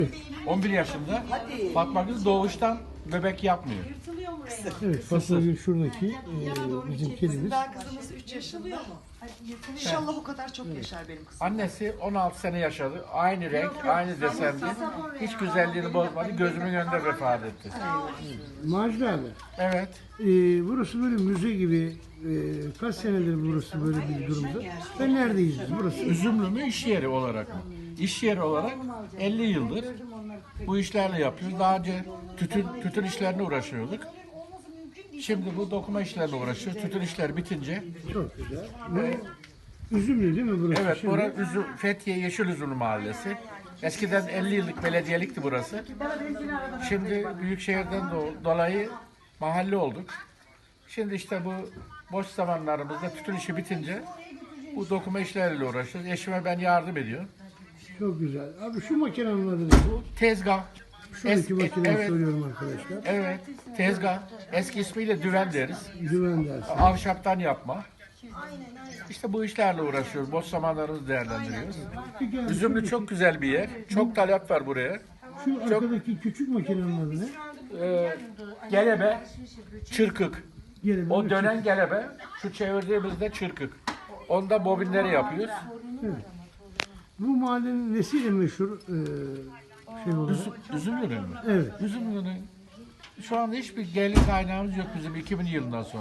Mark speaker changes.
Speaker 1: 11 yaşında. Fatma Gül doğuştan bebek yapmıyor.
Speaker 2: Evet, Fatma Gül şuradaki bizim kedimiz.
Speaker 3: Daha kızımız 3 yaşında. İnşallah o kadar çok yaşar benim kızım.
Speaker 1: Annesi 16 sene yaşadı. Aynı renk, aynı desendi. Hiç güzelliğini bozmadı. Gözümün önünde vefat etti.
Speaker 2: Macide abi,
Speaker 1: Evet.
Speaker 2: burası böyle müze gibi. Kaç senedir burası böyle bir durumda? Ve neredeyiz biz? Burası
Speaker 1: Üzümlü mü iş yeri olarak mı? İş yeri olarak 50 yıldır bu işlerle yapıyoruz. Daha önce tütün işlerine uğraşıyorduk. Şimdi bu dokuma işlerine uğraşıyoruz. Tütün işleri bitince.
Speaker 2: çok güzel. Bu Üzümlü değil mi burası?
Speaker 1: Evet,
Speaker 2: Şimdi?
Speaker 1: burası Fethiye Yeşilüzümlü Mahallesi. Eskiden 50 yıllık belediyelikti burası. Şimdi Büyükşehir'den dolayı mahalle olduk. Şimdi işte bu boş zamanlarımızda tütün işi bitince bu dokuma işleriyle uğraşıyoruz. Eşime ben yardım ediyorum.
Speaker 2: Çok güzel. Abi şu makinenin adı ne?
Speaker 1: Tezgah.
Speaker 2: Şuradaki makineyi
Speaker 1: evet,
Speaker 2: soruyorum arkadaşlar.
Speaker 1: evet, tezgah. Eski ismiyle düven deriz.
Speaker 2: Güven dersi.
Speaker 1: Ahşaptan yapma. İşte bu işlerle uğraşıyoruz. Boş zamanlarımızı değerlendiriyoruz.
Speaker 2: Peki abi,
Speaker 1: Üzümlü çok güzel bir yer. Çok talep var buraya.
Speaker 2: şu arkadaki küçük makinenin adı ne?
Speaker 1: Gelebe, çırkık.
Speaker 2: Gelin,
Speaker 1: O
Speaker 2: evet.
Speaker 1: dönen gelebe, şu çevirdiğimizde çırkık. Onda bobinleri yapıyoruz.
Speaker 2: Bu mahallenin nesiyle meşhur şey olarak?
Speaker 1: Üzümlü'nün mü?
Speaker 2: Evet.
Speaker 1: Üzümlü'nün şu anda hiçbir gelir kaynağımız yok bizim 2000 yılından sonra.